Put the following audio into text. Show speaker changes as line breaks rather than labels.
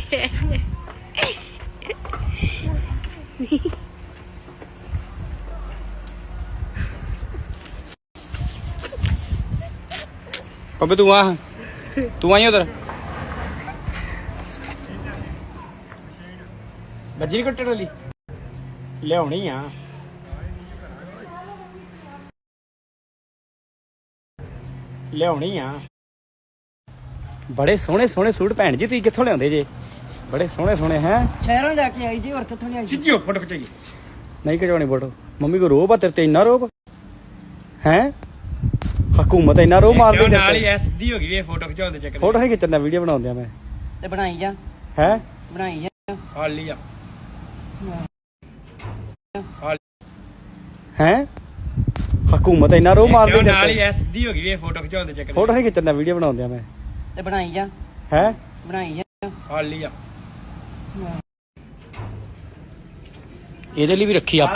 अबे तू आ उधर बजी कट्टे वाली लियानी आ लियानी आ बड़े सोहने सोहने सूट भैन जी तुसीं कित्थों लियाउंदे जे बड़े सोहने सोहने हैं
शहरों लेके आई जी और कित्थों नहीं आई
खिच्चियो फोटो खिचाइए नहीं खिचवानी फोटो मम्मी को रोब आ तेरे ते इन्ना रोब हैं हुकूमत इन्ना रोब मार दी
नाल ही सीधी हो गई ये फोटो खिचाउण दे चक्कर
फोटो नहीं खिच्चना वीडियो बनाउंदे मैं
ते बनाई जा
हैं
बनाई जा
हाल लिया
हैं हुकूमत इन्ना रोब मार दी
नाल ही सीधी हो गई ये फोटो खिचाउण दे चक्कर
फोटो नहीं खिच्चना वीडियो बनाउंदे मैं
ते बनाई जा
हैं
बनाई जा
हाल लिया
ਇਹਦੇ ਲਈ ਵੀ ਰੱਖੀ ਆ